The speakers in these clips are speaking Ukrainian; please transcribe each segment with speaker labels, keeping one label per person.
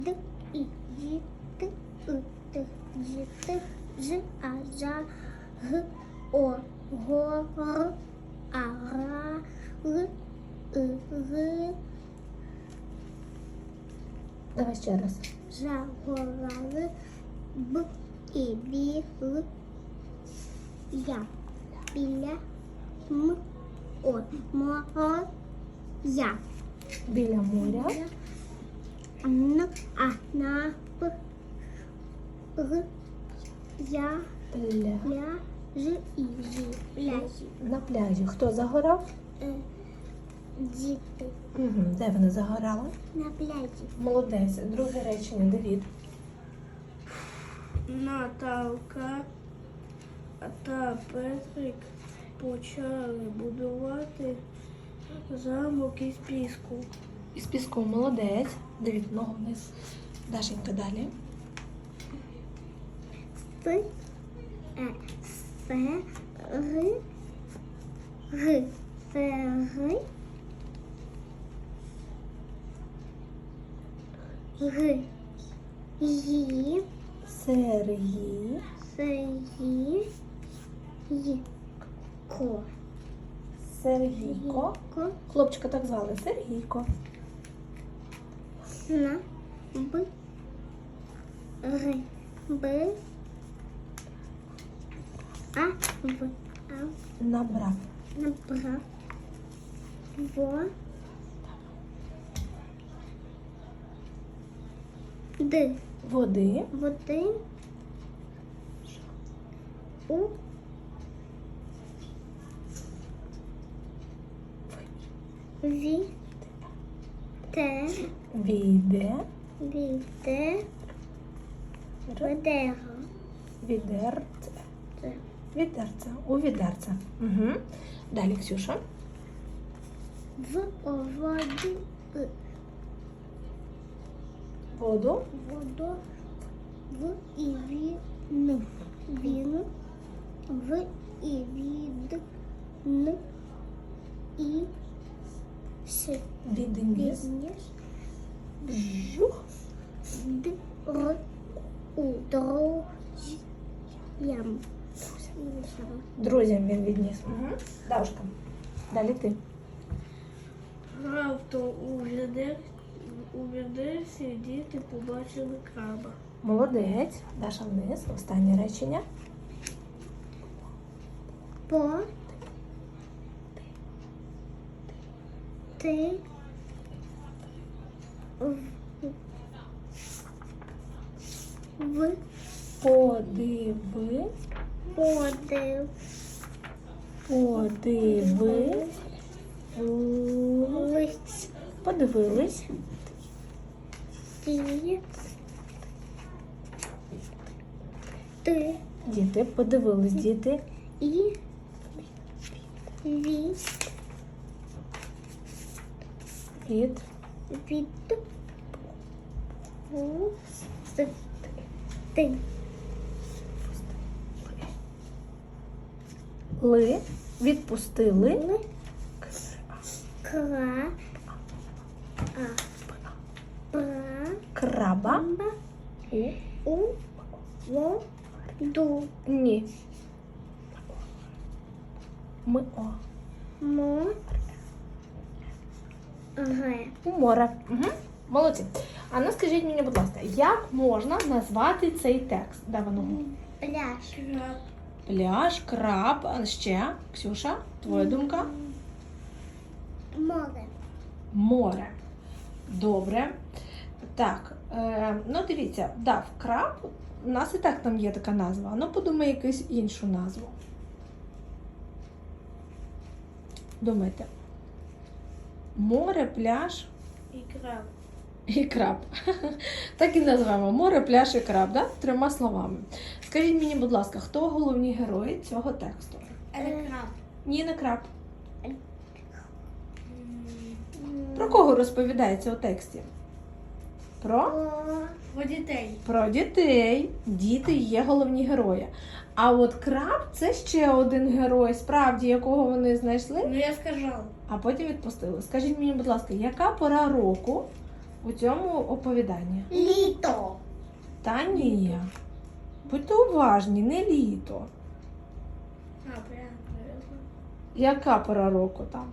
Speaker 1: Д, І, Ї, Т, И, Т, Й, Т, Ж, А, Жа, Г, О, Го, Р, А, Ра, Л, И, Г,
Speaker 2: Давай ще раз.
Speaker 1: Жа, Го, Ра, Л, Б, І, Бі, Л, Я, Біля, М, О, Мо, О, Я.
Speaker 2: Біля моря.
Speaker 1: Н, А, На, П, Г, Я, Ля, Ж, І, Жі, Пляжі.
Speaker 2: На пляжі. Хто загорав?
Speaker 1: Діти
Speaker 2: Угу. Де вони загорали?
Speaker 1: на пляжі.
Speaker 2: Молодець. Друге речення, Давід.
Speaker 3: Наталка та Петрик почали будувати замок із піску.
Speaker 2: Із піску молодець. Давід, ногу вниз. Дашенька далі.
Speaker 1: С, Г, Г, Г, Ї,
Speaker 2: Сергій.
Speaker 1: Сергій, Й, Ко,
Speaker 2: Сергійко.
Speaker 1: Ко,
Speaker 2: Хлопчика так звали. Сергійко.
Speaker 1: На, Б, Г, Б, А, В, А,
Speaker 2: Набрав.
Speaker 1: набрав, Во, Д,
Speaker 2: Води.
Speaker 1: води, У, Ві, Те,
Speaker 2: Віде.
Speaker 1: Віте, Ведеро,
Speaker 2: Відерце.
Speaker 1: Це.
Speaker 2: Відерце. У відерце. Угу. Далі, Ксюша.
Speaker 1: В, О, воді, И,
Speaker 2: Воду.
Speaker 1: Водо, В, І, Він, Він, В, І, Від, Н, І, С,
Speaker 2: Відніс.
Speaker 1: Відніс,
Speaker 2: Жух.
Speaker 1: Д, Р, У, Друзям. Друзям.
Speaker 2: Друзям він відніс. Угу. Давушка. Далі ти.
Speaker 3: Раптом у відерці діти побачили краба.
Speaker 2: Молодець. Даша вниз. Останнє речення.
Speaker 1: По, Ти, В,
Speaker 2: Подиви.
Speaker 1: Подив,
Speaker 2: Подиви.
Speaker 1: Лиць,
Speaker 2: Подивились.
Speaker 1: Ті, Ти,
Speaker 2: Діти. Подивились, діти.
Speaker 1: І, Ві,
Speaker 2: Від.
Speaker 1: Від, У, С, Ти,
Speaker 2: Ли. Відпустили.
Speaker 1: Л, Кра, А, Пра,
Speaker 2: Краба.
Speaker 1: Ба, У, Во, Ду,
Speaker 2: Ні. Ми о.
Speaker 1: Мо, Ге.
Speaker 2: У море. Угу. Молодці. А ну скажіть мені, будь ласка, як можна назвати цей текст? Де воно?
Speaker 1: Пляж.
Speaker 3: Краб.
Speaker 2: Пляж, краб, а ще? Ксюша, твоя думка?
Speaker 1: Море.
Speaker 2: Море. Добре. Так, ну дивіться, дав краб, у нас і так там є така назва. Ну подумай якусь іншу назву. Думайте. Море, пляж
Speaker 3: І краб.
Speaker 2: і краб. Так і назвемо. Море, пляж і краб, да? Трьома словами. Скажіть мені, будь ласка, хто головні герої цього тексту?
Speaker 3: Краб.
Speaker 2: Ні, не краб. Про кого розповідається у тексті? Про?
Speaker 3: Про дітей.
Speaker 2: Про дітей. Діти є головні герої. А от краб це ще один герой, справді, якого вони знайшли,
Speaker 3: Ну я сказав.
Speaker 2: а потім відпустили. Скажіть мені, будь ласка, яка пора року у цьому оповіданні?
Speaker 1: Літо.
Speaker 2: Та ні. Будьте уважні, не літо.
Speaker 3: Прям, наверное.
Speaker 2: Яка пора року там?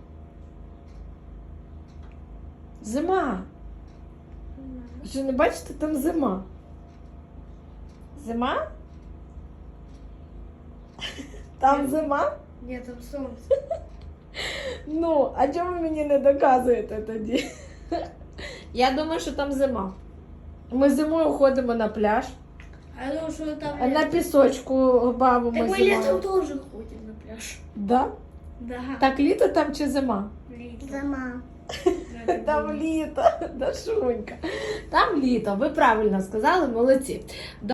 Speaker 2: Зима. Що не бачите, там зима. Зима? Там зима?
Speaker 3: Нет, там солнце.
Speaker 2: Ну, а чому ви мені не доказуєте тоді? Я думаю, що там зима. Ми зимою ходимо на пляж,
Speaker 3: А я думаю, что там
Speaker 2: а на
Speaker 3: лето.
Speaker 2: пісочку бавимо
Speaker 3: Так мы летом
Speaker 2: зимою.
Speaker 3: тоже ходим на пляж.
Speaker 2: Да?
Speaker 3: Да.
Speaker 2: Так літо там чи зима?
Speaker 3: Летом.
Speaker 1: Зима.
Speaker 2: Там літо, Дашунька. Там літо, ви правильно сказали, молодці.